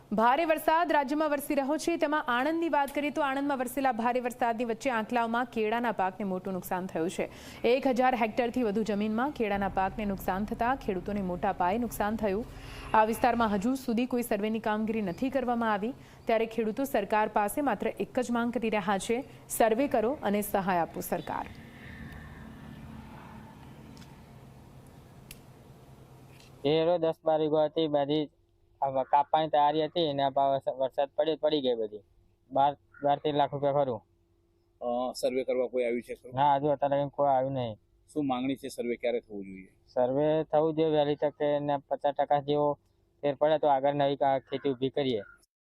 ભારે વરસાદ રાજ્યમાં વરસી રહ્યો છે, તેમાં આણંદની વાત કરીએ તો આણંદમાં વરસેલા ભારે વરસાદની વચ્ચે આંકલાવમાં કેળાના પાકને મોટું નુકસાન થયું છે। 1000 હેક્ટરથી વધુ જમીનમાં કેળાના પાકને નુકસાન થતાં ખેડૂતોને મોટા પાયે નુકસાન થયું। આ વિસ્તારમાં હજુ સુધી કોઈ સર્વેની કામગીરી નથી કરવામાં આવી, ત્યારે ખેડૂતો સરકાર પાસે માત્ર એક જ માંગ કરી રહ્યા છે, સર્વે કરો અને સહાય આપો સરકાર। એ 10-12 વીઘા હતી બધી કાપવાની તૈયારી હતી અને વરસાદ પડી ગઈ બધી 12-13 લાખ રૂપિયા ખરું। સર્વે કરવા કોઈ આવ્યું છે? ના, હજુ અત્યારે કોઈ આવ્યું નહીં। શું માંગણી છે? સર્વે ક્યારે થવું જોઈએ? સર્વે થવું જોઈએ વહેલી તકે, ને 50% જેવો ફેર પડે તો આગળ નવી ખેતી ઊભી કરીએ।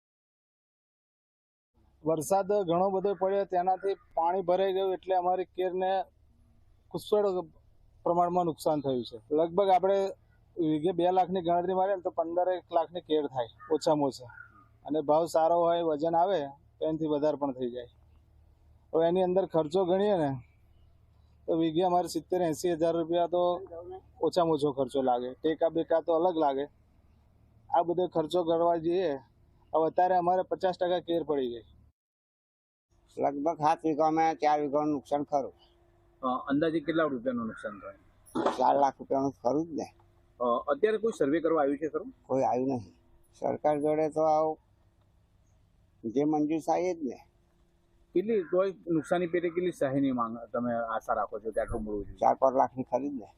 વરસાદ ઘણો બધો પડ્યો, તેનાથી પાણી ભરાઈ ગયું એટલે અમારી કેરને પુષ્કળ પ્રમાણમાં નુકસાન થયું છે। લગભગ આપણે વીઘે 2 લાખની ગણતરી મારીએ ને તો 15 લાખની કેર થાય ઓછામાં ઓછા, અને ભાવ સારો હોય, વજન આવે તો એનાથી વધારે પણ થઈ જાય। હવે એની અંદર ખર્ચો ગણીએ ને તો વીઘે અમારે 70-80 હજાર રૂપિયા તો ઓછામાં ઓછો ખર્ચો લાગે। ટેકા બેકા તો અલગ લાગે, આ બધો ખર્ચો કરવા જઈએ હવે અત્યારે અમારે 50% કેર પડી ગઈ। લગભગ 7 વીઘામાં 4 વીઘાનું નુકસાન ખરું। અંદાજે કેટલા રૂપિયાનું નુકસાન થાય? 4 લાખ રૂપિયાનું ખરું જ ને। અત્યારે કોઈ સર્વે કરવા આવ્યું છે ખરું? કોઈ આવ્યું નહીં। સરકાર જોડે તો આવું જે મંજૂર થાય જ ને। કેટલી કોઈ નુકસાની પેટે કેટલી સહાયની માંગ તમે આશા રાખો છો કે આટલું મળવું જોઈએ? 4-5 લાખની ખરી જ ને।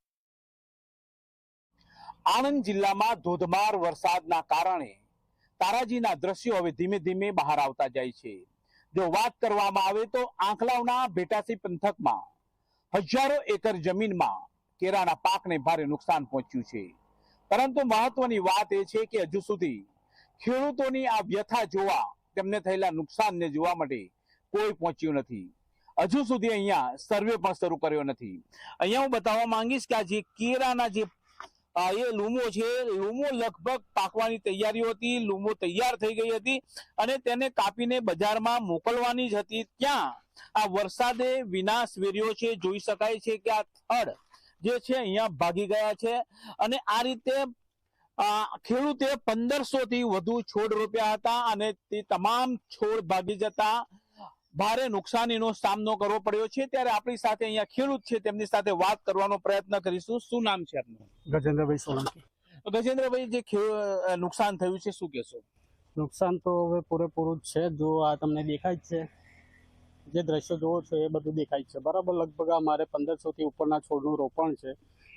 આણંદ જિલ્લામાં ધોધમાર વરસાદના કારણે તારાજીના દ્રશ્યો હવે ધીમે ધીમે બહાર આવતા જાય છે। જો વાત કરવામાં આવે તો આંકલાવના ભેટાસી પંથકમાં હજારો એકર જમીનમાં કેળાના પાકને ભારે નુકસાન પહોંચ્યું છે, પરંતુ મહત્વની વાત એ છે કે હજુ સુધી ખેડૂતોની આ વ્યથા જોવા, તેમને થયેલા નુકસાનને જોવા માટે કોઈ પહોંચ્યું નથી। હજુ સુધી અહીંયા સર્વે પણ શરૂ કર્યો નથી। અહીંયા હું બતાવવા માંગીશ કે આ જે કેળાના જે એ લૂમો છે, લૂમો લગભગ પાકવાની તૈયારીઓ હતી, લૂમો તૈયાર થઈ ગઈ હતી અને તેને કાપીને બજારમાં મોકલવાની જ હતી, ત્યાં આ વરસાદે વિનાશ વેર્યો છે। જોઈ શકાય છે કે આ થડ જે છે અહીંયા ભાગી ગયા છે અને આ રીતે ખેડૂતે 1500 થી વધુ છોડ રોપ્યા હતા અને તે તમામ છોડ ભાગી જતા ભારે નુકસાનીનો સામનો કરવો પડ્યો છે। ત્યારે આપણી સાથે અહીંયા ખેડૂત છે, તેમની સાથે વાત કરવાનો પ્રયત્ન કરીશું। શું નામ છે આપનું? ગજેન્દ્રભાઈ સોલંકી। ગજેન્દ્રભાઈ, જે નુકસાન થયું છે શું કહેશો? નુકસાન તો હવે પૂરેપૂરું જ છે। જો આ તમને દેખાય જ છે, જે દ્રશ્યો જોવો છો એ બધું દેખાય છે, બરાબર। લગભગ અમારે 1500 થી ઉપરના છોડનું રોપણ છે।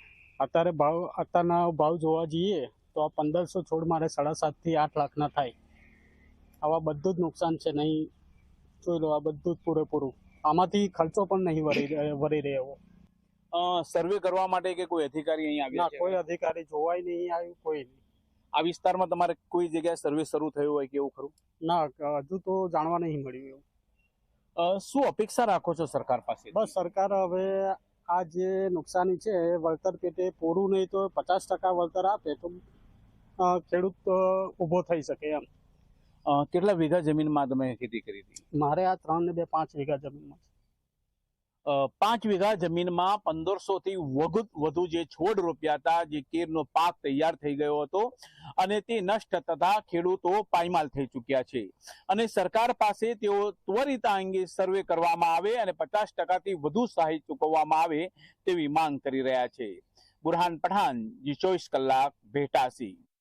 અત્યારના ભાવ જોવા જઈએ તો આ 1500 છોડ મારે 7.5 થી 8 લાખના થાય। આવા બધું જ નુકસાન છે, નહીં જોઈ લો, આ બધું જ પૂરેપૂરું। આમાંથી ખર્ચો પણ નહીં વરી રહ્યો। સર્વે કરવા માટે કે કોઈ અધિકારી અહીંયા આવ્યા છે? કોઈ અધિકારી જોવાય નહીં આવ્યું, કોઈ નહીં। આ વિસ્તારમાં તમારે કોઈ જગ્યાએ સર્વે શરૂ થયું હોય કે એવું ખરું? ના, હજુ તો જાણવા નહીં મળ્યું એવું। શું અપેક્ષા રાખો છો સરકાર પાસે? બસ સરકાર હવે આ જે નુકસાની છે એ વળતર પેટે પૂરું નહીં તો 50% વળતર આપે તો ખેડૂત ઊભો થઈ શકે એમ। કેટલા વીઘા જમીનમાં તમે ખેતી કરી હતી? મારે આ 3 ને 2 5 વીઘા જમીનમાં છે। 5 વીઘા જમીનમાં 1500 થી વધુ જે છોડ રોપ્યા હતા, જે કેરનો પાક તૈયાર થઈ ગયો હતો અને તે નષ્ટ થતા ખેડૂતો પાયમાલ થઈ ચૂક્યા છે અને સરકાર પાસે તેઓ ત્વરિત આ અંગે સર્વે કરવામાં આવે અને 50% થી વધુ સહાય ચૂકવવામાં આવે તેવી માંગ કરી રહ્યા છે। બુરહાન પઠાન, જી 24 કલાક, ભેટાસી।